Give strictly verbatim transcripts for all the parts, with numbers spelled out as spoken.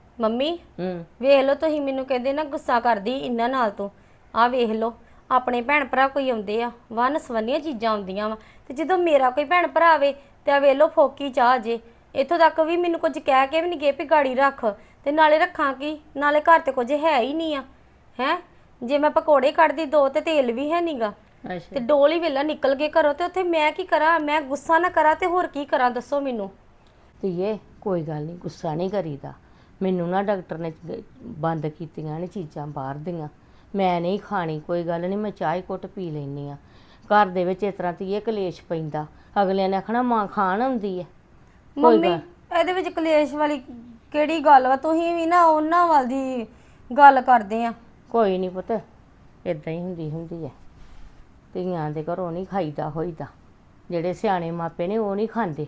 Mummy ਹੂੰ ਵੇਖ ਲਓ ਤੁਸੀਂ ਮੈਨੂੰ ਕਹਿੰਦੇ ਨਾ ਗੁੱਸਾ ਕਰਦੀ ਇਹਨਾਂ ਨਾਲ ਤੋਂ ਆਹ ਵੇਖ ਲਓ ਆਪਣੇ ਭੈਣ ਭਰਾ ਕੋਈ ਆਉਂਦੇ ਆ ਵੰਨ ਸਵੰਨੀਆਂ ਚੀਜ਼ਾਂ ਆਉਂਦੀਆਂ ਵਾ ਤੇ ਜਦੋਂ ਮੇਰਾ ਕੋਈ ਭੈਣ ਭਰਾ ਆਵੇ ਤੇ ਆ ਵੇਖ ਲਓ ਫੋਕੀ ਚਾਹ ਜੇ ਇੱਥੋਂ ਤੱਕ ਵੀ ਮੈਨੂੰ ਕੁਝ ਕਹਿ ਕੇ ਵੀ ਨਹੀਂ ਗਏ ਵੀ ਗਾੜੀ ਰੱਖ ਤੇ ਨਾਲੇ ਰੱਖਾਂ ਕੀ ਨਾਲੇ ਘਰ ਤੇ ਕੁਝ ਹੈ ਹੀ ਨਹੀਂ ਆ ਹੈ ਜੇ ਮੈਂ ਪਕੌੜੇ ਕੱਢਦੀ ਦੋ ਤੇ ਤੇਲ ਵੀ ਹੈ ਨਹੀਂਗਾ ਅੱਛਾ ਤੇ ਡੋਲ ਹੀ ਵੇਲਾ ਨਿਕਲ ਗਏ ਘਰੋਂ ਤੇ ਉੱਥੇ ਮੈਂ ਕੀ ਕਰਾਂ ਮੈਂ ਗੁੱਸਾ ਨਾ ਕਰਾਂ ਤੇ ਹੋਰ ਕੀ ਕਰਾਂ ਦੱਸੋ ਮੈਨੂੰ ਧੀਏ ਕੋਈ ਗੱਲ ਨਹੀਂ ਗੁੱਸਾ ਨਹੀਂ ਕਰੀਦਾ ਮੈਨੂੰ ਨਾ ਡਾਕਟਰ ਨੇ ਬੰਦ ਕੀਤੀਆਂ ਨੇ ਚੀਜ਼ਾਂ ਬਾਹਰ ਦੀਆਂ ਮੈਂ ਨਹੀਂ ਖਾਣੀ ਕੋਈ ਗੱਲ ਨਹੀਂ ਮੈਂ ਚਾਹ ਹੀ ਘੁੱਟ ਪੀ ਲੈਂਦੀ ਆ ਘਰ ਦੇ ਵਿੱਚ ਇਸ ਤਰ੍ਹਾਂ ਧੀਏ ਕਲੇਸ਼ ਪੈਂਦਾ ਅਗਲਿਆਂ ਨੇ ਆਖਣਾ ਮਾਂ ਖਾਣ ਆਉਂਦੀ ਹੈ ਮੰਮੀ ਇਹਦੇ ਵਿੱਚ ਕਲੇਸ਼ ਵਾਲੀ ਕਿਹੜੀ ਗੱਲ ਵਾ ਤੁਸੀਂ ਵੀ ਨਾ ਉਹਨਾਂ ਵੱਲ ਦੀ ਗੱਲ ਕਰਦੇ ਆ ਕੋਈ ਨਹੀਂ ਪੁੱਤ ਇਦਾਂ ਹੀ ਹੁੰਦੀ ਹੁੰਦੀ ਹੈ ਧੀਆਂ ਦੇ ਘਰੋਂ ਨਹੀਂ ਖਾਈਦਾ ਹੋਈਦਾ ਜਿਹੜੇ ਸਿਆਣੇ ਮਾਪੇ ਨੇ ਉਹ ਨਹੀਂ ਖਾਂਦੇ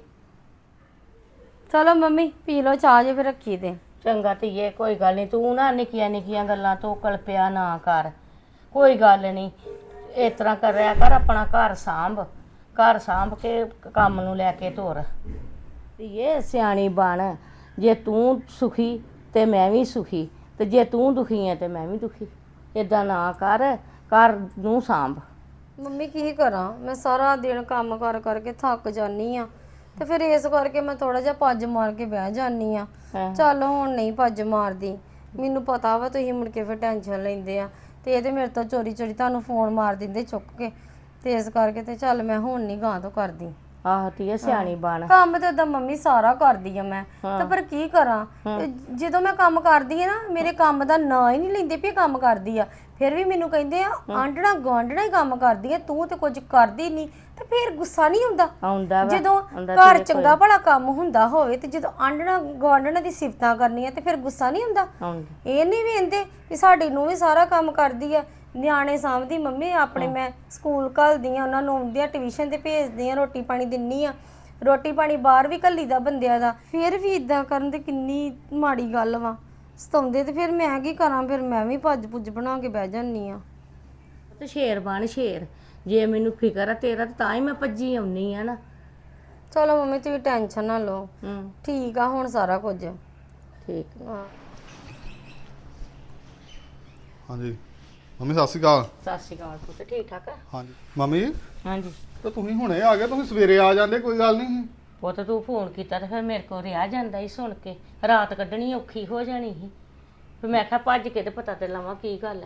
ਚਲੋ ਮੰਮੀ ਪੀ ਲਓ ਚਾਹ ਜੇ ਫਿਰ ਰੱਖੀ ਤੇ ਚੰਗਾ ਧੀਏ ਕੋਈ ਗੱਲ ਨਹੀਂ ਤੂੰ ਨਾ ਨਿੱਕੀਆਂ ਨਿੱਕੀਆਂ ਗੱਲਾਂ ਤੋਂ ਕਲਪਿਆ ਨਾ ਕਰ ਕੋਈ ਗੱਲ ਨਹੀਂ ਇਸ ਤਰ੍ਹਾਂ ਕਰਿਆ ਕਰ ਆਪਣਾ ਘਰ ਸਾਂਭ ਘਰ ਸਾਂਭ ਕੇ ਕੰਮ ਨੂੰ ਲੈ ਕੇ ਤੁਰ ਧੀਏ ਸਿਆਣੀ ਬਣ ਜੇ ਤੂੰ ਸੁਖੀ ਤੇ ਮੈਂ ਵੀ ਸੁਖੀ ਤੇ ਜੇ ਤੂੰ ਦੁਖੀ ਹੈ ਤੇ ਮੈਂ ਵੀ ਦੁਖੀ ਇਦਾਂ ਨਾ ਕਰ ਘਰ ਨੂੰ ਸਾਂਭ ਮੰਮੀ ਕੀ ਕਰਾਂ ਮੈਂ ਸਾਰਾ ਦਿਨ ਕੰਮ ਕਰ ਕਰਕੇ ਥੱਕ ਜਾਨੀ ਆ ਤੇ ਫਿਰ ਇਸ ਕਰਕੇ ਮੈਂ ਥੋੜਾ ਜਿਹਾ ਪੱਜ ਮਾਰ ਕੇ ਬਹਿ ਜਾਨੀ ਆ ਚੱਲ ਹੁਣ ਨਹੀਂ ਪੱਜ ਮਾਰਦੀ ਮੈਨੂੰ ਪਤਾ ਵਾ ਤੁਸੀਂ ਮੁੜ ਕੇ ਫਿਰ ਟੈਨਸ਼ਨ ਲੈਂਦੇ ਆ ਤੇ ਇਹ ਤੇ ਮੇਰੇ ਤੋਂ ਚੋਰੀ ਚੋਰੀ ਤੁਹਾਨੂੰ ਫੋਨ ਮਾਰ ਦਿੰਦੇ ਚੁੱਕ ਕੇ ਤੇ ਇਸ ਕਰਕੇ ਤੇ ਚੱਲ ਮੈਂ ਹੁਣ ਨਹੀਂ ਗਾਂ ਤੋਂ ਕਰਦੀ ਆਹ ਧੀਏ ਸਿਆਣੀ ਬਣ ਕੰਮ ਤੇ ਓਦਾਂ ਮੰਮੀ ਸਾਰਾ ਕਰਦੀ ਆ ਮੈਂ ਤੇ ਪਰ ਕੀ ਕਰਾਂ ਤੇ ਜਦੋਂ ਮੈਂ ਕੰਮ ਕਰਦੀ ਆ ਨਾ ਮੇਰੇ ਕੰਮ ਦਾ ਨਾਂ ਹੀ ਨਹੀਂ ਲੈਂਦੇ ਵੀ ਇਹ ਕੰਮ ਕਰਦੀ ਆ ਫਿਰ ਵੀ ਮੈਨੂੰ ਕਹਿੰਦੇ ਆ ਆਂਡਣਾ ਗਾਂਡਣਾ ਹੀ ਕੰਮ ਕਰਦੀ ਆ ਤੂੰ ਤੇ ਕੁਝ ਕਰਦੀ ਨਹੀਂ ਤੇ ਫਿਰ ਗੁੱਸਾ ਨਹੀਂ ਹੁੰਦਾ ਆਉਂਦਾ ਵਾ ਜਦੋਂ ਘਰ ਚੰਗਾ ਭਲਾ ਕੰਮ ਹੁੰਦਾ ਹੋਵੇ ਤੇ ਜਦੋਂ ਆਂਡਣਾ ਗਾਂਡਣਾ ਦੀ ਸਿਫਤਾਂ ਕਰਨੀਆਂ ਤੇ ਫਿਰ ਗੁੱਸਾ ਨਹੀਂ ਹੁੰਦਾ ਆਉਂਦਾ ਇਹ ਨਹੀਂ ਵੇਂਦੇ ਵੀ ਸਾਡੀ ਨੂੰ ਵੀ ਸਾਰਾ ਕੰਮ ਕਰਦੀ ਆ ਨਿਆਣੇ ਸਾਂਭਦੀ ਮੰਮੀ ਆਪਣੇ ਮੈਂ ਸਕੂਲ ਘੱਲਦੀ ਆ ਉਹਨਾਂ ਨੂੰ ਆਉਂਦੀਆਂ ਟਿਊਸ਼ਨ ਤੇ ਭੇਜਦੀ ਆ ਰੋਟੀ ਪਾਣੀ ਦਿੰਨੀ ਆ ਰੋਟੀ ਪਾਣੀ ਬਾਹਰ ਵੀ ਘੱਲੀ ਦਾ ਬੰਦਿਆਂ ਦਾ ਫਿਰ ਵੀ ਇਦਾਂ ਕਰਨ ਤੇ ਕਿੰਨੀ ਮਾੜੀ ਗੱਲ ਵਾ ਸਤਾਉਂਦੇ ਤੇ ਫਿਰ ਮੈਂ ਕੀ ਕਰਾਂ ਫਿਰ ਮੈਂ ਵੀ ਭੱਜ ਭੁੱਜ ਬਣਾ ਕੇ ਬਹਿ ਜਾਨੀ ਆ ਤੇ ਸ਼ੇਰ ਬਣ ਸ਼ੇਰ ਜੇ ਮੈਨੂੰ ਫਿਕਰ ਆ ਤੇਰਾ ਤਾਂ ਹੀ ਮੈਂ ਭੱਜੀ ਆਉਣੀ ਆ ਨਾ ਚਲੋ ਮੰਮੀ ਤੁਸੀਂ ਟੈਨਸ਼ਨ ਨਾ ਲਓ ਹੂੰ ਠੀਕ ਆ ਹੁਣ ਸਾਰਾ ਕੁਝ ਠੀਕ ਹਾਂ ਹਾਂਜੀ ਮੰਮੀ ਸਤਿ ਸ਼੍ਰੀ ਅਕਾਲ ਸਤਿ ਸ਼੍ਰੀ ਅਕਾਲ ਪੁੱਤ ਠੀਕ ਠਾਕ ਆ ਹਾਂਜੀ ਮੰਮੀ ਹਾਂਜੀ ਤਾਂ ਤੁਸੀਂ ਹੁਣੇ ਆ ਗਏ ਤੁਸੀਂ ਸਵੇਰੇ ਆ ਜਾਂਦੇ ਕੋਈ ਗੱਲ ਨਹੀਂ ਪੁੱਤ ਤੂੰ ਫੋਨ ਕੀਤਾ ਤੇ ਫਿਰ ਮੇਰੇ ਕੋਲ ਰਿਹਾ ਜਾਂਦਾ ਹੀ ਸੁਣ ਕੇ ਰਾਤ ਕੱਢਣੀ ਔਖੀ ਹੋ ਜਾਣੀ ਸੀ ਫਿਰ ਮੈਂ ਕਿਹਾ ਭੱਜ ਕੇ ਤੇ ਪਤਾ ਤੇ ਲਾਵਾਂ ਕੀ ਗੱਲ ਹੈ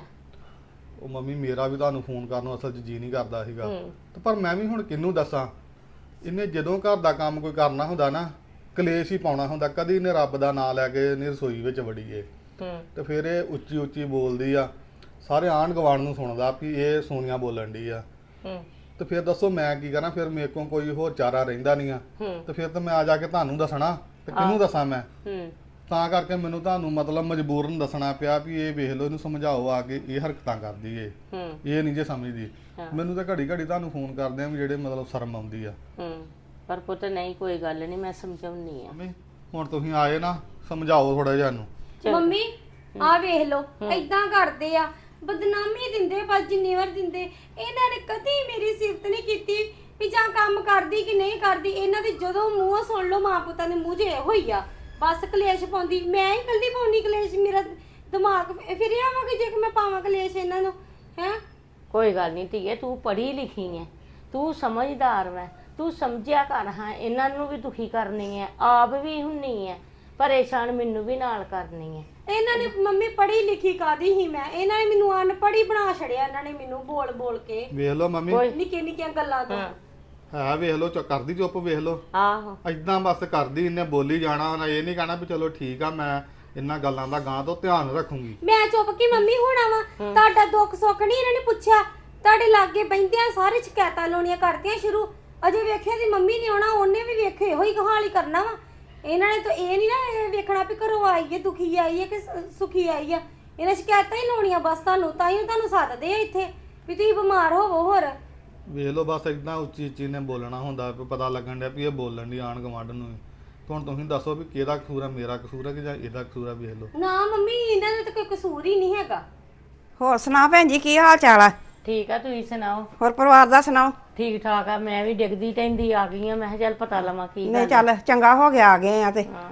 ਉਹ ਮੰਮੀ ਮੇਰਾ ਵੀ ਤੁਹਾਨੂੰ ਫੋਨ ਕਰਨ ਨੂੰ ਅਸਲ 'ਚ ਜੀ ਨਹੀਂ ਕਰਦਾ ਸੀਗਾ ਹੂੰ ਤੇ ਪਰ ਮੈਂ ਵੀ ਹੁਣ ਕਿਹਨੂੰ ਦੱਸਾਂ ਇਹਨੇ ਜਦੋਂ ਘਰ ਦਾ ਕੰਮ ਕੋਈ ਕਰਨਾ ਹੁੰਦਾ ਨਾ ਕਲੇਸ਼ ਹੀ ਪਾਉਣਾ ਹੁੰਦਾ ਕਦੀ ਇਹਨੇ ਰੱਬ ਦਾ ਨਾਂ ਲੈ ਕੇ ਇਹਨੇ ਰਸੋਈ ਵਿੱਚ ਵੜੀਏ ਹੂੰ ਤੇ ਫਿਰ ਇਹ ਉੱਚੀ ਉੱਚੀ ਬੋਲਦੀ ਆ ਸਾਰੇ ਆਂਢ ਗੁਆਂਢ ਨੂੰ ਸੁਣਦਾ ਵੀ ਇਹ ਸੋਨੀਆ ਬੋਲਣ ਡਈ ਆ ਹੂੰ ਤੇ ਫਿਰ ਦੱਸੋ ਮੈਂ ਕੀ ਕਰਾਂ ਫਿਰ ਮੇਰੇ ਕੋਲ ਕੋਈ ਹੋਰ ਚਾਰਾ ਰਹਿੰਦਾ ਨਹੀਂ ਆ ਹੂੰ ਤੇ ਫਿਰ ਤਾਂ ਮੈਂ ਆ ਜਾ ਕੇ ਤੁਹਾਨੂੰ ਦੱਸਣਾ ਤੇ ਕਿਹਨੂੰ ਦੱਸਾਂ ਮੈਂ ਹੂੰ ਤਾਂ ਕਰਕੇ ਮੈਨੂੰ ਤੁਹਾਨੂੰ ਮਤਲਬ ਮਜਬੂਰਨ ਦੱਸਣਾ ਪਿਆ ਵੀ ਇਹ ਵੇਖ ਲਓ ਇਹਨੂੰ ਸਮਝਾਓ ਆ ਕੇ ਇਹ ਹਰਕਤਾਂ ਕਰਦੀ ਏ ਹੂੰ ਇਹ ਨਹੀਂ ਜੇ ਸਮਝਦੀ ਹਾਂ। ਮੈਨੂੰ ਤਾਂ ਘੜੀ ਘੜੀ ਤੁਹਾਨੂੰ ਫੋਨ ਕਰਦੇ ਆ ਵੀ ਜਿਹੜੇ ਮਤਲਬ ਸ਼ਰਮ ਆਉਂਦੀ ਆ ਹੂੰ ਪਰ ਪੁੱਤ ਨਹੀਂ ਕੋਈ ਗੱਲ ਨਹੀਂ ਮੈਂ ਸਮਝਾਉਣੀ ਆ ਮੰਮੀ ਹੁਣ ਤੁਸੀਂ ਆਏ ਨਾ ਸਮਝਾਓ ਥੋੜਾ ਜਿਹਾ ਇਹਨੂੰ ਮੰਮੀ ਆ ਵੇਖ ਲਓ ਏਦਾਂ ਕਰਦੇ ਆ ਬਦਨਾਮੀ ਦਿੰਦੇ ਬਸ ਜਿੰਨੀ ਵਾਰ ਦਿੰਦੇ ਇਹਨਾਂ ਨੇ ਕਦੀ ਮੇਰੀ ਸਿਫਤ ਨਹੀਂ ਕੀਤੀ ਵੀ ਜਾਂ ਕੰਮ ਕਰਦੀ ਕਿ ਨਹੀਂ ਕਰਦੀ ਇਹਨਾਂ ਦੇ ਜਦੋਂ ਮੂੰਹ ਸੁਣ ਲਓ ਮਾਂ ਪੁੱਤਾਂ ਦੇ ਮੂੰਹ 'ਚ ਇਹੋ ਹੋਈ ਆ ਬਸ ਕਲੇਸ਼ ਪਾਉਂਦੀ ਮੈਂ ਹੀ ਕੱਲੀ ਪਾਉਣੀ ਕਲੇਸ਼ ਮੇਰਾ ਦਿਮਾਗ ਫਿਰ ਆਵਾਂਗੇ ਜੇ ਕਿ ਮੈਂ ਪਾਵਾਂ ਕਲੇਸ਼ ਇਹਨਾਂ ਨੂੰ ਹੈ ਕੋਈ ਗੱਲ ਨਹੀਂ ਧੀਏ ਤੂੰ ਪੜ੍ਹੀ ਲਿਖੀ ਹੈ ਤੂੰ ਸਮਝਦਾਰ ਵੈ ਤੂੰ ਸਮਝਿਆ ਕਰ ਹਾਂ ਇਹਨਾਂ ਨੂੰ ਵੀ ਦੁਖੀ ਕਰਨੀ ਹੈ ਆਪ ਵੀ ਹੁੰਨੀ ਹੈ ਪਰੇਸ਼ਾਨ ਮੈਨੂੰ ਵੀ ਨਾਲ ਕਰਨੀ ਹੈ ਇਹਨਾਂ ਨੇ ਮੰਮੀ ਪੜ੍ਹੀ ਲਿਖੀ ਕਾਦੀ ਹੀ ਮੈਂ ਇਹਨਾਂ ਨੇ ਮੈਨੂੰ ਅਨਪੜ੍ਹੀ ਬਣਾ ਛੜਿਆ ਇਹਨਾਂ ਨੇ ਮੈਨੂੰ ਬੋਲ ਬੋਲ ਕੇ ਵੇਖ ਲਓ ਮੰਮੀ ਨਿੱਕੇ ਨਿੱਕੀਆਂ ਗੱਲਾਂ ਤੋਂ ਹੈ ਵੇਖ ਲਓ ਚ ਕਰਦੀ ਚੁੱਪ ਵੇਖ ਲਓ ਆਹੋ ਏਦਾਂ ਬਸ ਕਰਦੀ ਇਹਨੇ ਬੋਲੀ ਜਾਣਾ ਉਹਨੇ ਇਹ ਨਹੀਂ ਕਹਿਣਾ ਵੀ ਚਲੋ ਠੀਕ ਆ ਮੈਂ ਇਹਨਾਂ ਗੱਲਾਂ ਦਾ ਗਾਂ ਤੋਂ ਧਿਆਨ ਰੱਖੂੰਗੀ ਮੈਂ ਚੁੱਪ ਕੀ ਮੰਮੀ ਹੋਣਾ ਵਾ ਤੁਹਾਡਾ ਦੁੱਖ ਸੁੱਖ ਨਹੀਂ ਇਹਨਾਂ ਨੇ ਪੁੱਛਿਆ ਤੁਹਾਡੇ ਲਾਗੇ ਬੈਂਦਿਆਂ ਸਾਰੇ ਸ਼ਿਕਾਇਤਾਂ ਲਾਉਣੀਆਂ ਕਰਤੀਆਂ ਸ਼ੁਰੂ ਅਜੇ ਵੇਖਿਆ ਦੀ ਮੰਮੀ ਨੇ ਆਉਣਾ ਉਹਨੇ ਵੀ ਵੇਖੇ ਇਹੋ ਹੀ ਕਹਾਣੀ ਕਰਨਾ ਵਾ ਇਹਨਾਂ ਨੇ ਤਾਂ ਇਹ ਨਹੀਂ ਨਾ ਵੇਖਣਾ ਵੀ ਘਰੋਂ ਆਈ ਹੈ ਦੁਖੀ ਆਈ ਹੈ ਕਿ ਸੁਖੀ ਆਈ ਆ ਇਹਨਾਂ ਸ਼ਿਕਾਇਤਾਂ ਹੀ ਲਾਉਣੀਆਂ ਬਸ ਤੁਹਾਨੂੰ ਤਾਂ ਹੀ ਤੁਹਾਨੂੰ ਸੱਦਦੇ ਆ ਇੱਥੇ ਵੀ ਤੁਸੀਂ ਬਿਮਾਰ ਹੋਵੋ ਹੋਰ ਵੇਖ ਲਓ ਬਸ ਏਦਾਂ ਉੱਚੀ ਉੱਚੀ ਨੇ ਬੋਲਣਾ ਹੁੰਦਾ ਵੀ ਪਤਾ ਲੱਗਣ ਡਿਆ ਵੀ ਇਹ ਬੋਲਣ ਦੀ ਆਣ ਗਵਾਂਢ ਨੂੰ ਹੁਣ ਤੁਸੀਂ ਦੱਸੋ ਵੀ ਕਿਹਦਾ ਕਸੂਰ ਆ ਮੇਰਾ ਕਸੂਰ ਆ ਕਿ ਜਾਂ ਇਹਦਾ ਕਸੂਰ ਆ ਵੇਖ ਲਓ ਨਾ ਮੰਮੀ ਇਹਨਾਂ ਦਾ ਤਾਂ ਕੋਈ ਕਸੂਰ ਹੀ ਨਹੀਂ ਹੈਗਾ ਹੋਰ ਸੁਣਾ ਭੈਣ ਜੀ ਕੀ ਹਾਲ ਚਾਲ ਆ ਠੀਕ ਆ ਤੁਸੀਂ ਸੁਣਾਓ ਹੋਰ ਪਰਿਵਾਰ ਦਾ ਸੁਣਾਓ ਠੀਕ ਠਾਕ ਆ ਮੈਂ ਵੀ ਡਿੱਗਦੀ ਟੈਂਦੀ ਆ ਗਈ ਆ ਮੈਂ ਕਿਹਾ ਚੱਲ ਪਤਾ ਲਵਾਂ ਕੀ ਨਹੀਂ ਗੱਲ ਚੱਲ ਚੰਗਾ ਹੋ ਗਿਆ ਆ ਗਏ ਆ ਤੇ ਹਾਂ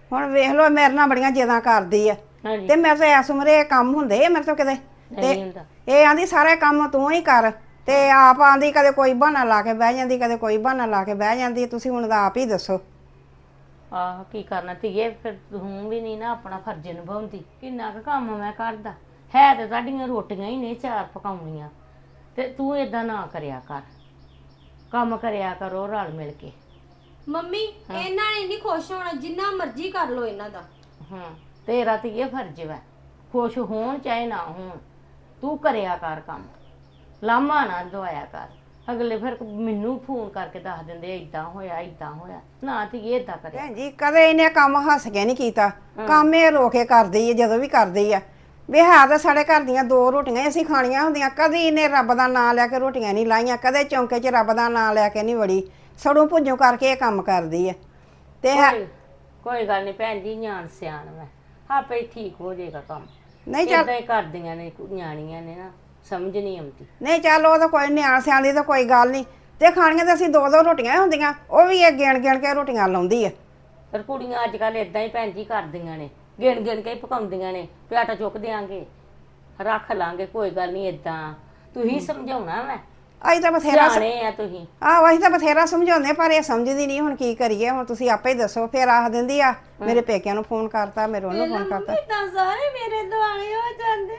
ਹੁਣ ਵੇਖ ਲਓ ਮੇਰੇ ਨਾਲ ਬੜੀਆਂ ਜਿੱਦਾਂ ਕਰਦੀ ਆ ਹਾਂਜੀ ਤੇ ਮੇਰੇ ਤੋਂ ਐਸ ਉਮਰੇ ਇਹ ਕੰਮ ਹੁੰਦੇ ਆ ਮੇਰੇ ਤੋਂ ਕਿਤੇ ਨਹੀਂ ਹੁੰਦਾ। ਇਹ ਆਂਦੀ ਸਾਰੇ ਕੰਮ ਤੂੰ ਹੀ ਕਰ ਤੇ ਆਪ ਆਂਦੀ ਕਦੇ ਕੋਈ ਬਹਾਨਾ ਲਾ ਕੇ ਬਹਿ ਜਾਂਦੀ ਕਦੇ ਕੋਈ ਬਹਾਨਾ ਲਾ ਕੇ ਬਹਿ ਜਾਂਦੀ ਤੁਸੀਂ ਹੁਣ ਤਾਂ ਆਪ ਹੀ ਦੱਸੋ। ਆਹ ਕੀ ਕਰਨਾ ਧੀਏ, ਫਿਰ ਤੂੰ ਵੀ ਨਹੀਂ ਨਾ ਆਪਣਾ ਫਰਜ਼ ਨਿਭਾਉਂਦੀ। ਕਿੰਨਾ ਕੁ ਕੰਮ ਮੈਂ ਕਰਦਾ ਹੈ ਤੇ ਤੁਹਾਡੀਆਂ ਰੋਟੀਆਂ ਹੀ ਨੇ ਚਾਰ ਪਕਾਉਣੀਆਂ, ਤੇ ਤੂੰ ਏਦਾਂ ਨਾ ਕਰਿਆ ਕਰ, ਕੰਮ ਕਰਿਆ ਕਰੋ ਰਲ ਮਿਲ ਕੇ। ਮੰਮੀ ਇਹਨਾਂ ਨੇ ਨਹੀਂ ਖੁਸ਼ ਹੋਣਾ, ਜਿੰਨਾ ਮਰਜ਼ੀ ਕਰ ਲੋ ਇਹਨਾਂ ਦਾ। ਹਾਂ ਤੇਰਾ ਧੀਏ ਫਰਜ਼ ਵਾ, ਖੁਸ਼ ਹੋਣ ਚਾਹੇ ਨਾ ਹੋਣ, ਤੂੰ ਕਰਿਆ ਕਰ ਕੰਮ, ਲਾਮਾ ਨਾ ਦਵਾਇਆ ਕਰ। ਅਗਲੇ ਫਿਰ ਮੈਨੂੰ ਫੋਨ ਕਰਕੇ ਦੱਸ ਦਿੰਦੇ ਇਦਾਂ ਹੋਇਆ ਇਦਾਂ ਹੋਇਆ, ਨਾ ਧੀਏ ਏਦਾਂ ਕਰਿਆ। ਭੈਣ ਜੀ ਕਦੇ ਇਹਨੇ ਕੰਮ ਹੱਸ ਕੇ ਨਹੀਂ ਕੀਤਾ, ਕੰਮ ਇਹ ਰੋ ਕੇ ਕਰਦੀ ਹੈ ਜਦੋਂ ਵੀ ਕਰਦੀ ਆ। ਵੀ ਹੈ ਤਾਂ ਸਾਡੇ ਘਰ ਦੀਆਂ ਦੋ ਰੋਟੀਆਂ ਹੀ ਅਸੀਂ ਖਾਣੀਆਂ ਹੁੰਦੀਆਂ, ਕਦੀ ਇਹਨੇ ਰੱਬ ਦਾ ਨਾਂ ਲੈ ਕੇ ਰੋਟੀਆਂ ਨਹੀਂ ਲਾਈਆਂ, ਕਦੇ ਚੌਂਕੇ 'ਚ ਰੱਬ ਦਾ ਨਾਂ ਲੈ ਕੇ ਨਹੀਂ ਵੜੀ, ਸੜੋਂ ਭੁੱਜੋਂ ਕਰਕੇ ਇਹ ਕੰਮ ਕਰਦੀ ਹੈ। ਤੇ ਹੈ ਕੋਈ ਕੋਈ ਗੱਲ ਨਹੀਂ ਭੈਣ ਜੀ, ਨਿਆਣ ਸਿਆਣ ਮੈਂ ਆਪੇ ਹੀ ਠੀਕ ਹੋ ਜਾਏਗਾ ਕੰਮ। ਨਹੀਂ ਚੱਲ ਏਦਾਂ ਹੀ ਕਰਦੀਆਂ ਨੇ ਨਿਆਣੀਆਂ ਨੇ ਨਾ, ਸਮਝ ਨਹੀਂ ਆਉਂਦੀ। ਨਹੀਂ ਚੱਲ ਉਹ ਤਾਂ ਕੋਈ ਨਿਆਣ ਸਿਆਣ ਦੀ ਤਾਂ ਕੋਈ ਗੱਲ ਨਹੀਂ, ਤੇ ਖਾਣੀਆਂ ਤਾਂ ਅਸੀਂ ਦੋ ਦੋ ਰੋਟੀਆਂ ਹੀ ਹੁੰਦੀਆਂ, ਉਹ ਵੀ ਇਹ ਗਿਣ ਗਿਣ ਕੇ ਰੋਟੀਆਂ ਲਾਉਂਦੀ ਆ। ਪਰ ਕੁੜੀਆਂ ਅੱਜ ਕੱਲ ਏਦਾਂ ਹੀ ਭੈਣ ਜੀ ਕਰਦੀਆਂ ਨੇ, ਗਿਣ ਗਿਣ ਕੇ ਹੀ ਪਕਾਉਂਦੀਆਂ ਨੇ ਵੀ ਆਟਾ ਚੁੱਕ ਦਿਆਂਗੇ ਰੱਖ ਲਾਂਗੇ, ਕੋਈ ਗੱਲ ਨਹੀਂ ਏਦਾਂ। ਤੁਸੀਂ ਸਮਝਾਉਣਾ ਮੈਂ, ਅਸੀਂ ਤਾਂ ਬਥੇਰਾ ਸਿਆਣੇ ਆ ਤੁਸੀਂ। ਆਹ ਅਸੀਂ ਤਾਂ ਬਥੇਰਾ ਸਮਝਾਉਂਦੇ ਪਰ ਇਹ ਸਮਝਦੀ ਨਹੀਂ। ਹੁਣ ਕੀ ਕਰੀਏ, ਹੁਣ ਤੁਸੀਂ ਆਪੇ ਹੀ ਦੱਸੋ। ਫਿਰ ਆਖ ਦਿੰਦੀ ਆ ਮੇਰੇ ਪੇਕਿਆਂ ਨੂੰ ਫੋਨ ਕਰਤਾ, ਮੇਰੇ ਉਹਨੂੰ ਫੋਨ ਕਰਤਾ। ਤਾਂ ਸਾਰੇ ਮੇਰੇ ਦੁਆਲੇ ਹੋ ਜਾਂਦੇ,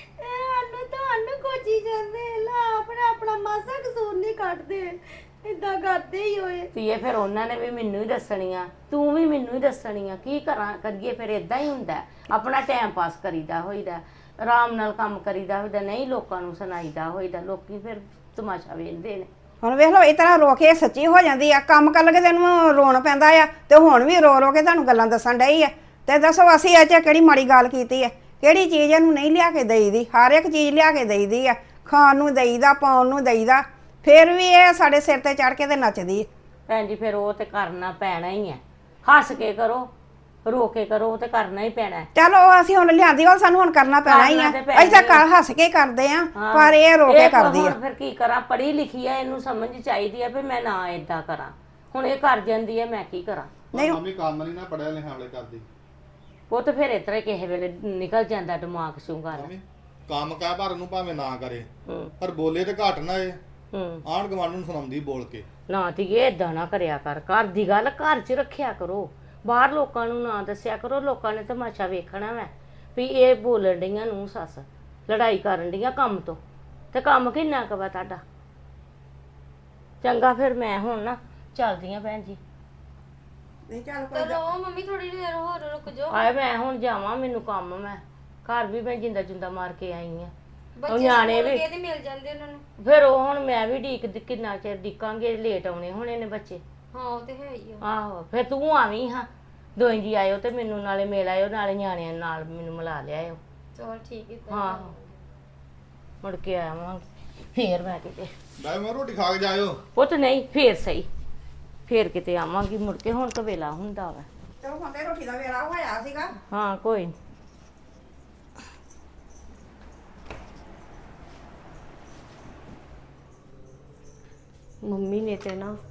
ਸਾਨੂੰ ਤੁਹਾਨੂੰ ਕੋਚੀ ਜਾਂਦੇ, ਲਾ ਆਪਣਾ ਆਪਣਾ ਮਾਸਾ ਕਸੂਰ ਨਹੀਂ ਕੱਢਦੇ, ਇਦਾਂ ਕਰਦੇ ਹੀ ਹੋਏ। ਧੀਏ ਫਿਰ ਉਹਨਾਂ ਨੇ ਵੀ ਮੈਨੂੰ ਹੀ ਦੱਸਣੀਆਂ, ਤੂੰ ਵੀ ਮੈਨੂੰ ਹੀ ਦੱਸਣੀਆਂ, ਕੀ ਕਰਾਂ ਕਰੀਏ। ਫਿਰ ਇਦਾਂ ਹੀ ਹੁੰਦਾ, ਆਪਣਾ ਟਾਈਮ ਪਾਸ ਕਰੀਦਾ ਹੋਈਦਾ, ਆਰਾਮ ਨਾਲ ਕੰਮ ਕਰੀਦਾ ਹੋਈਦਾ, ਨਹੀਂ ਲੋਕਾਂ ਨੂੰ ਸੁਣਾਈਦਾ ਹੋਈਦਾ। ਲੋਕੀ ਫਿਰ ਤਮਾਸ਼ਾ ਵੇਖਦੇ ਨੇ। ਹੁਣ ਵੇਖ ਲਓ ਇਸ ਤਰ੍ਹਾਂ ਰੋ ਕੇ ਸੱਚੀ ਹੋ ਜਾਂਦੀ ਆ, ਕੰਮ ਕਰ ਲਗੇ ਤੈਨੂੰ ਰੋਣ ਪੈਂਦਾ ਆ, ਤੇ ਹੁਣ ਵੀ ਰੋ ਰੋ ਕੇ ਤੁਹਾਨੂੰ ਗੱਲਾਂ ਦੱਸਣ ਡਈ ਆ। ਤੇ ਦੱਸੋ ਅਸੀਂ ਇਹ 'ਚ ਕਿਹੜੀ ਮਾੜੀ ਗੱਲ ਕੀਤੀ ਹੈ? ਕਿਹੜੀ ਚੀਜ਼ ਇਹਨੂੰ ਨਹੀਂ ਲਿਆ ਕੇ ਦੇਈਦੀ? ਹਰ ਇੱਕ ਚੀਜ਼ ਲਿਆ ਕੇ ਦੇਈਦੀ ਆ, ਖਾਣ ਨੂੰ ਦੇਈਦਾ, ਪਾਉਣ ਨੂੰ ਦੇਈਦਾ, ਫਿਰ ਵੀ ਇਹ ਸਾਡੇ ਸਿਰ ਤੇ ਚੜ ਕੇ ਤੇ ਨੱਚਦੀ ਹੈ। ਭੈਣ ਜੀ ਫਿਰ ਉਹ ਤੇ ਕਰਨਾ ਪੈਣਾ ਹੀ ਹੈ, ਹੱਸ ਕੇ ਕਰੋ ਰੋ ਕੇ ਕਰੋ, ਉਹ ਤੇ ਕਰਨਾ ਹੀ ਪੈਣਾ ਹੈ। ਚਲੋ ਉਹ ਅਸੀਂ ਹੁਣ ਲਿਆਂਦੀ, ਉਹ ਸਾਨੂੰ ਹੁਣ ਕਰਨਾ ਪੈਣਾ ਹੀ ਆ। ਕਰਨਾ ਤੇ ਪੈਣਾ ਅਸੀਂ ਤਾਂ ਹੀ ਕਰ ਹੱਸ ਕੇ ਕਰਦੇ ਆ, ਪਰ ਇਹ ਰੋ ਕੇ ਕਰਦੀ ਆ। ਹੁਣ ਫਿਰ ਕੀ ਕਰਾਂ, ਪੜ੍ਹੀ ਲਿਖੀ ਆ, ਇਹਨੂੰ ਸਮਝ ਚਾਹੀਦੀ ਆ ਵੀ ਮੈਂ ਨਾ ਏਦਾਂ ਕਰਾਂ। ਹੁਣ ਇਹ ਕਰ ਜਾਂਦੀ ਹੈ, ਮੈਂ ਕੀ ਕਰਾਂ। ਨਹੀਂ ਮੰਮੀ ਕੰਮ ਨਹੀਂ ਨਾ ਪੜਿਆ ਲਿਖਿਆ ਵਾਲੇ ਕਰਦੀ। ਉਹ ਤਾਂ ਫਿਰ ਇਤਰੇ ਕਿਸੇ ਵੇਲੇ ਨਿਕਲ ਜਾਂਦਾ ਦਿਮਾਗ ਚੋਂ ਗੱਲ। ਮੰਮੀ ਕੰਮ ਕਹਿ ਪਰ ਨੂੰ ਭਾਵੇਂ ਨਾ ਕਰੇ, ਹੂੰ ਪਰ ਬੋਲੇ ਤੇ ਘੱਟ ਨਾ ਏ, ਹੂੰ ਆਂਢ ਗੁਆਂਢ ਨੂੰ ਸੁਣਾਉਂਦੀ ਬੋਲ ਕੇ। ਨਾ ਧੀਏ ਏਦਾਂ ਨਾ ਕਰਿਆ ਕਰ, ਘਰ ਦੀ ਗੱਲ ਘਰ 'ਚ ਰੱਖਿਆ ਕਰੋ, ਬਾਹਰ ਲੋਕਾਂ ਨੂੰ ਨਾ ਦੱਸਿਆ ਕਰੋ। ਲੋਕਾਂ ਨੇ ਤਮਾਸ਼ਾ ਵੇਖਣਾ ਵੈ ਵੀ ਇਹ ਬੋਲਣ ਡੀਆਂ ਨੂੰ ਸੱਸ ਲੜਾਈ ਕਰਨ ਡੀਆਂ ਕੰਮ ਤੋਂ, ਤੇ ਕੰਮ ਕਿੰਨਾ ਕੁ ਵਾ ਤੁਹਾਡਾ। ਚੰਗਾ ਫਿਰ ਮੈਂ ਹੁਣ ਨਾ ਚੱਲਦੀ ਆ ਭੈਣ ਜੀ। ਨਹੀਂ ਚੱਲ ਚਲੋ ਮੰਮੀ ਥੋੜੀ ਦੇਰ ਹੋਰ ਰੁਕ ਜਾਓ। ਆਏ ਮੈਂ ਹੁਣ ਜਾਵਾਂ, ਮੈਨੂੰ ਕੰਮ ਮੈਂ ਘਰ ਵੀ ਮੈਂ ਜਿੰਦਾ ਜੁੰਦਾ ਮਾਰ ਕੇ ਆਈ ਆ। ਬੱਚੇ ਨਿਆਣੇ ਸਕੂਲ ਵੀ ਗਏ ਤੇ ਮਿਲ ਜਾਂਦੇ ਉਹਨਾਂ ਨੂੰ। ਫਿਰ ਉਹ ਹੁਣ ਮੈਂ ਵੀ ਢੀਕ ਕਿੰਨਾ ਚਿਰ ਢੀਕਾਂਗੇ, ਲੇਟ ਆਉਣੇ ਹੋਣੇ ਨੇ ਬੱਚੇ। ਹਾਂ ਉਹ ਤੇ ਹੈ ਹੀ ਆ। ਆਹੋ ਫਿਰ ਤੂੰ ਆਵੀਂ ਹਾਂ, ਦੋਈ ਜੀ ਆਇਓ ਤੇ ਮੈਨੂੰ ਨਾਲੇ ਮਿਲ ਆਇਓ, ਨਾਲੇ ਨਿਆਣਿਆਂ ਨਾਲ ਮੈਨੂੰ ਮਿਲਾ ਲਿਆਇਓ। ਚਲ ਠੀਕ ਹੈ। ਹਾਂ ਮੁੜ ਕੇ ਆਵਾਂ ਫੇਰ ਮੈਂ ਕਿਤੇ। ਬਾਈ ਮੈਂ ਰੋਟੀ ਖਾ ਕੇ ਜਾਇਓ। ਪੁੱਤ ਨਹੀਂ ਫੇਰ ਸਹੀ, ਫੇਰ ਕਿਤੇ ਆਵਾਂਗੀ ਮੁੜ ਕੇ, ਹੁਣ ਤਾਂ ਵੇਲਾ ਹੁੰਦਾ ਵਾ। ਚਲੋ ਹੁਣ ਤੇ ਰੋਟੀ ਦਾ ਵੇਲਾ ਹੋਇਆ ਸੀਗਾ। ਹਾਂ ਕੋਈ ਨੀ। ਮੰਮੀ ਨੇ ਤੇ ਨਾ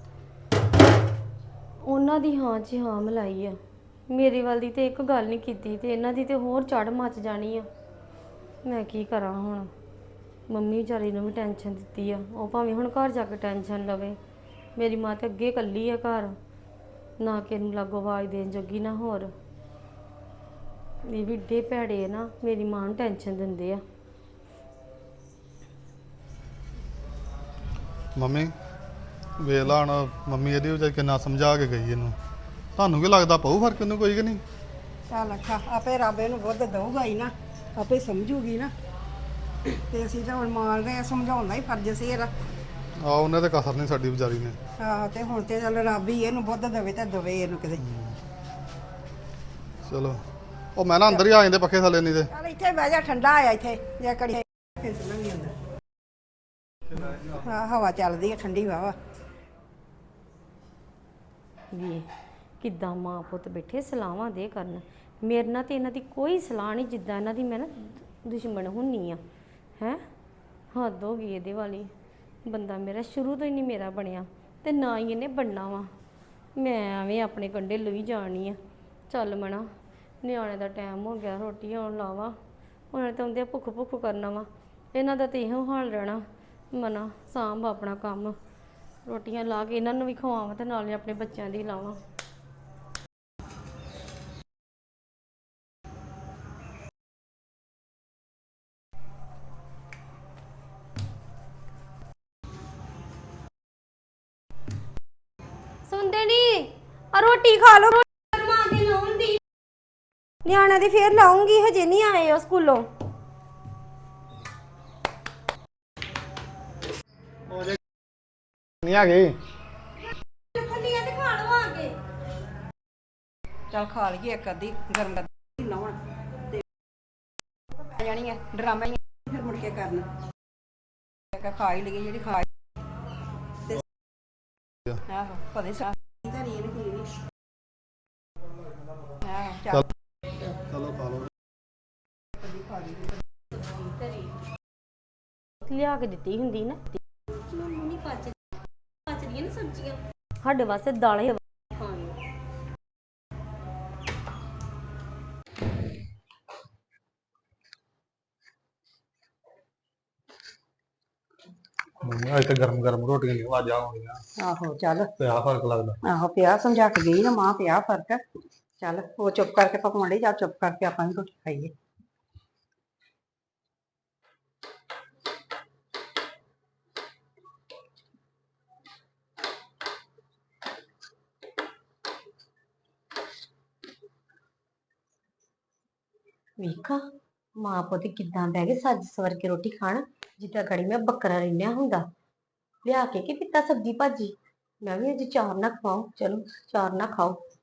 ਉਹਨਾਂ ਦੀ ਹਾਂ 'ਚ ਹਾਂ ਮਿਲਾਈ ਆ, ਮੇਰੀ ਵੱਲ ਦੀ ਤੇ ਇੱਕ ਗੱਲ ਨਹੀਂ ਕੀਤੀ, ਤੇ ਇਹਨਾਂ ਦੀ ਤੇ ਹੋਰ ਚੜ ਮੱਚ ਜਾਣੀ ਆ। ਮੈਂ ਕੀ ਕਰਾਂ ਹੁਣ? ਮੰਮੀ ਵਿਚਾਰੀ ਨੂੰ ਵੀ ਟੈਨਸ਼ਨ ਦਿੱਤੀ ਆ, ਉਹ ਭਾਵੇਂ ਹੁਣ ਘਰ ਜਾ ਕੇ ਟੈਨਸ਼ਨ ਲਵੇ। ਮੇਰੀ ਮਾਂ ਤੇ ਅੱਗੇ ਇਕੱਲੀ ਆ ਘਰ, ਨਾ ਕਿ ਇਹਨੂੰ ਲਾਗੋ ਆਵਾਜ਼ ਦੇਣ ਜੋਗੀ ਨਾ ਹੋਰ। ਇਹ ਵੀ ਏਡੇ ਭੈੜੇ ਨਾ, ਮੇਰੀ ਮਾਂ ਨੂੰ ਟੈਨਸ਼ਨ ਦਿੰਦੇ ਆ। ਮੰਮੀ ਵੇਖ ਲਾ ਹੁਣ, ਮੰਮੀ ਇਹਦੀ ਵਜ੍ਹਾ ਕਿੰਨਾ ਸਮਝਾ ਕੇ ਗਈ ਇਹਨੂੰ। ਤੁਹਾਨੂੰ ਕੀ ਲੱਗਦਾ ਪਊ ਫਰਕ ਇਹਨੂੰ ਕੋਈ ਕਿ ਨਹੀਂ? ਚੱਲ ਅੱਛਾ, ਆਪੇ ਰੱਬ ਇਹਨੂੰ ਬੁੱਧ ਦਊਗਾ ਹੀ ਨਾ, ਆਪੇ ਸਮਝੂਗੀ ਨਾ। ਤੇ ਅਸੀਂ ਤਾਂ ਹੁਣ ਮਾਰਦੇ ਆ, ਸਮਝਾਉਣ ਦਾ ਹੀ ਫਰਜ਼ ਸੀ ਇਹਦਾ। ਆ ਉਹਨੇ ਤੇ ਕਸਰ ਨਹੀਂ ਸਾਡੀ ਵਿਚਾਰੀ ਨੇ। ਆਹ ਤੇ ਹੁਣ ਤੇ ਚੱਲ ਰੱਬ ਹੀ ਇਹਨੂੰ ਬੁੱਧ ਦੇਵੇ ਤੇ ਦਵੇ ਇਹਨੂੰ ਕਿਤੇ। ਚਲੋ ਉਹ ਮੈਂ ਨਾ ਅੰਦਰ ਹੀ ਆ ਜਾਂਦੇ ਪੱਖੇ ਥੱਲੇ ਨਹੀਂ ਤੇ। ਚੱਲ ਇੱਥੇ ਬਹਿ ਜਾ, ਠੰਡਾ ਆਇਆ ਇੱਥੇ ਜੇ ਕੜੀ ਫਿਸਲਣ ਨਹੀਂ ਹੁੰਦਾ। ਹਾਂ ਹਵਾ ਚੱਲਦੀ ਹੈ ਠੰਡੀ ਵਾਵਾ। ਵੀ ਕਿੱਦਾਂ ਮਾਂ ਪੁੱਤ ਬੈਠੇ ਸਲਾਹਾਂ ਦੇ ਕਰਨ, ਮੇਰੇ ਨਾਲ ਤੇ ਇਹਨਾਂ ਦੀ ਕੋਈ ਸਲਾਹ ਨਹੀਂ, ਜਿੱਦਾਂ ਇਹਨਾਂ ਦੀ ਮੈਂ ਨਾ ਦੁਸ਼ਮਣ ਹੁੰਨੀ ਆ। ਹੈ ਹੱਦ ਹੋ ਗਈ ਇਹਦੇ ਵਾਲੀ। ਬੰਦਾ ਮੇਰਾ ਸ਼ੁਰੂ ਤੋਂ ਹੀ ਨਹੀਂ ਮੇਰਾ ਬਣਿਆ, ਤੇ ਨਾ ਹੀ ਇਹਨੇ ਬਣਨਾ ਵਾ। ਮੈਂ ਐਵੇਂ ਆਪਣੇ ਕੰਡੇ ਲਈ ਜਾਣੀ ਆ। ਚੱਲ ਮਣਾ ਨਿਆਣੇ ਦਾ ਟਾਈਮ ਹੋ ਗਿਆ, ਰੋਟੀ ਆਉਣ ਲਾਵਾਂ। ਉਹਨਾਂ ਨੇ ਤਾਂ ਆਉਂਦੇ ਭੁੱਖ ਭੁੱਖ ਕਰਨਾ ਵਾ, ਇਹਨਾਂ ਦਾ ਤੇ ਇਹੋ ਹਾਲ ਰਹਿਣਾ। ਮਨਾ ਸਾਂਭ ਆਪਣਾ ਕੰਮ, ਰੋਟੀਆਂ ਲਾ ਕੇ ਇਹਨਾਂ ਨੂੰ ਵੀ ਖਵਾਵਾਂ ਤੇ ਨਾਲੇ ਆਪਣੇ ਬੱਚਿਆਂ ਦੀ ਲਾਵਾਂ। ਸੁਣਦੇ ਨੀ ਆ, ਰੋਟੀ ਖਾ ਲਓ। ਮਾਂ ਕੇ ਲਾਉਣ ਦੀ ਨਿਆਣਿਆਂ ਦੀ ਫੇਰ ਲਾਉਂਗੀ, ਹਜੇ ਨਹੀਂ ਆਏ ਉਹ ਸਕੂਲੋਂ। ਨਹੀਂ ਆ ਗਏ ਥੱਲੀਆਂ ਤੇ ਖਾ ਲਓ ਆ ਕੇ। ਚੱਲ ਖਾ ਲਈਏ ਇੱਕ ਅੱਧੀ ਗਰਮ ਕਰ ਲਾਉਣ ਤੇ ਆ ਜਾਣੀ ਹੈ ਡਰਾਮਾ ਹੀ ਫਿਰ ਮੁੜ ਕੇ ਕਰਨਾ। ਇੱਕ ਖਾ ਹੀ ਲਈਏ ਜਿਹੜੀ ਖਾ ਤੇ ਆਹੋ ਪਤਾ ਸਾ ਧਰੀ ਇਹਨੇ ਕੀ ਨਹੀਂ ਆਹ ਚੱਲ ਚਲੋ ਖਾ ਲਓ। ਲਿਆ ਕੇ ਦਿੱਤੀ ਹੁੰਦੀ ਨਾ, ਨਹੀਂ ਪਚ ਪਚਦੀਆਂ ਨਾ ਸਬਜ਼ੀਆਂ, ਸਾਡੇ ਵਾਸਤੇ ਦਾਲਾਂ ਹੀ ਖਾਣੀਆਂ। ਮੰਮੀ ਅੱਜ ਤੇ ਗਰਮ ਗਰਮ ਰੋਟੀਆਂ ਨਹੀਂ ਆਵਾਜ਼ਾਂ ਆਉਂਦੀਆਂ ਆਹੋ ਚੱਲ ਤੇ ਆ ਫਰਕ ਲੱਗਦਾ। ਆਹੋ ਪਿਆ ਸਮਝਾ ਕੇ ਗਈ ਨਾ ਮਾਂ, ਪਿਆ ਫਰਕ। ਚੱਲ ਉਹ ਚੁੱਪ ਕਰਕੇ ਪਕਵਾਂਡੇ ਜਾ, ਚੁੱਪ ਕਰਕੇ ਆਪਾਂ ਵੀ ਰੋਟੀ ਖਾਈਏ। ਵੇਖਾਂ ਮਾਂ ਪੁੱਤ ਕਿੱਦਾਂ ਬਹਿ ਗਏ ਸੱਜ ਸਵਰ ਕੇ ਰੋਟੀ ਖਾਣ, ਜਿੱਦਾਂ ਘੜੀ ਮੈਂ ਬੱਕਰਾ ਰਿੰਨਿਆ ਹੁੰਦਾ। ਲਿਆ ਕੇ ਕੀ ਪੀਤਾ ਸਬਜ਼ੀ ਭਾਜੀ, ਮੈਂ ਵੀ ਅੱਜ ਚਾਰ ਨਾ ਖਵਾਓ, ਚਲੋ ਚਾਰ ਨਾ ਖਾਓ।